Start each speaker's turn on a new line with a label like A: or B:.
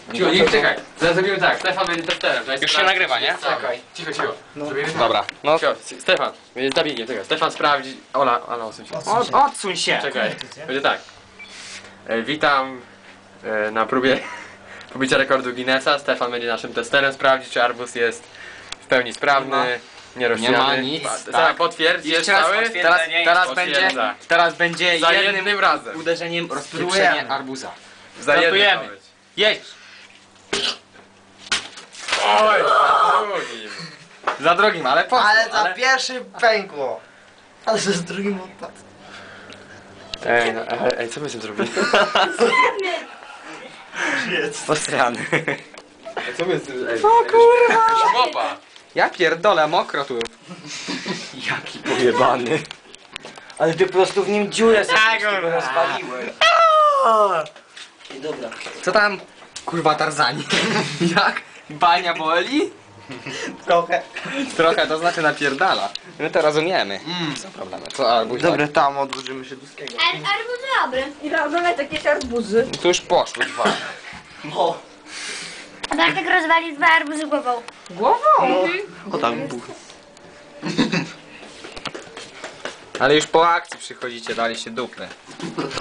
A: Cicho, nie, czekaj. Zrobimy tak, Stefan będzie testerem.
B: Już się nagrywa, nie?
A: Czekaj. Cicho, cicho. Zrobimy tak.
B: Dobra, no.
A: Cicho, Stefan, będzie zabiegnie, czekaj. Stefan sprawdzi... Ola, odsuń się.
B: Odsuń się!
A: Czekaj, będzie tak. Witam na próbie pobicia rekordu Guinnessa. Stefan będzie naszym testerem, sprawdzi, czy arbuz jest w pełni sprawny, nierozsiany.
B: Nie ma nic,
A: Tak, potwierdź, jest
B: Jeszcze raz
A: cały.
B: potwierdzenie. Teraz będzie
A: Za
B: jednym
A: jednym razem.
B: uderzeniem rozpieprzenie arbuza.
A: Za jednym
B: Startujemy.
A: ma być.
B: Jedź!
A: Oj, za drugim.
B: Za drugim, ale po
C: Ale za pierwszy pękło. Ale że z drugim odpadł.
A: Ej, co my z tym zrobili?
B: Posrany.
A: Co my z tym... Ej,
B: O kurwa!
A: Chłopa!
B: Ja pierdolę, mokro tu. Jaki pojebany.
C: Ale ty po prostu w nim dziurę sobie
B: Tak,
C: z tego
B: kurwa.
C: rozwaliłeś. I dobra.
B: Co tam? Kurwa Tarzani. Jak? Bania boli?
C: Trochę.
B: Trochę, to znaczy napierdala. My to rozumiemy. Co problemy? Co arbuz?
C: Dobra, tam odłożymy się do skiego.
D: Arbuz dobry. I oglądaj takie arbuzy.
B: Tu już poszło dwa.
C: No.
D: A Bartek rozwalił 2 arbuzy głową.
C: O tam buch.
B: Ale już po akcji przychodzicie, daliście dupy.